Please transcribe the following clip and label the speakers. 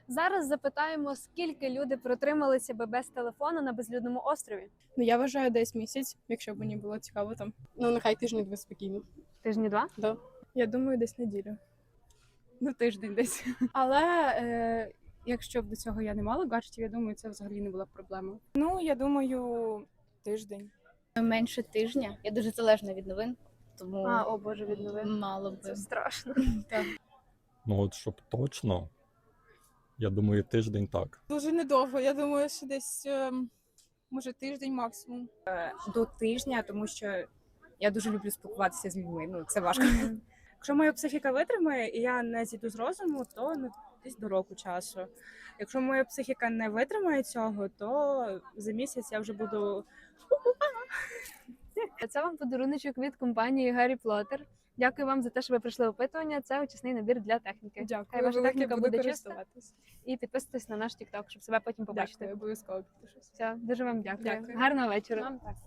Speaker 1: Зараз запитаємо, скільки люди протрималися би без телефону на безлюдному острові?
Speaker 2: Ну, я вважаю десь місяць, якщо б мені було цікаво там.
Speaker 3: Ну, нехай тиждень спокійно.
Speaker 1: Тижні два?
Speaker 3: Да.
Speaker 2: Я думаю, десь неділю.
Speaker 3: Ну, тиждень десь. Але якщо б до цього я не мала гаджетів, я думаю, це взагалі не була б проблема.
Speaker 2: Ну, я думаю, тиждень.
Speaker 4: Менше тижня. Я дуже залежна від новин, тому
Speaker 1: О боже, від новин.
Speaker 4: мало би.
Speaker 1: Це страшно.
Speaker 5: Ну от щоб точно, я думаю, тиждень так.
Speaker 6: Дуже недовго. Я думаю, що десь може тиждень максимум.
Speaker 3: До тижня, тому що я дуже люблю спілкуватися з людьми. Ну, це важко. Якщо моя психіка витримає і я не зійду з розуму, то десь до року часу. Якщо моя психіка не витримає цього, то за місяць я вже буду.
Speaker 1: Це вам подаруночок від компанії Гаррі Плотер. Дякую вам за те, що ви прийшли в опитування. Це очисний набір для техніки. Хай
Speaker 3: Дякую,
Speaker 1: ваша
Speaker 3: велике,
Speaker 1: техніка
Speaker 3: буду
Speaker 1: буде чиста.
Speaker 3: користуватись.
Speaker 1: І підписуйтесь на наш TikTok, щоб себе потім побачити.
Speaker 3: Дякую, обов'язково підпишусь.
Speaker 1: Все, дуже вам дякую.
Speaker 3: Дякую.
Speaker 1: Гарного вечора.
Speaker 3: Вам так.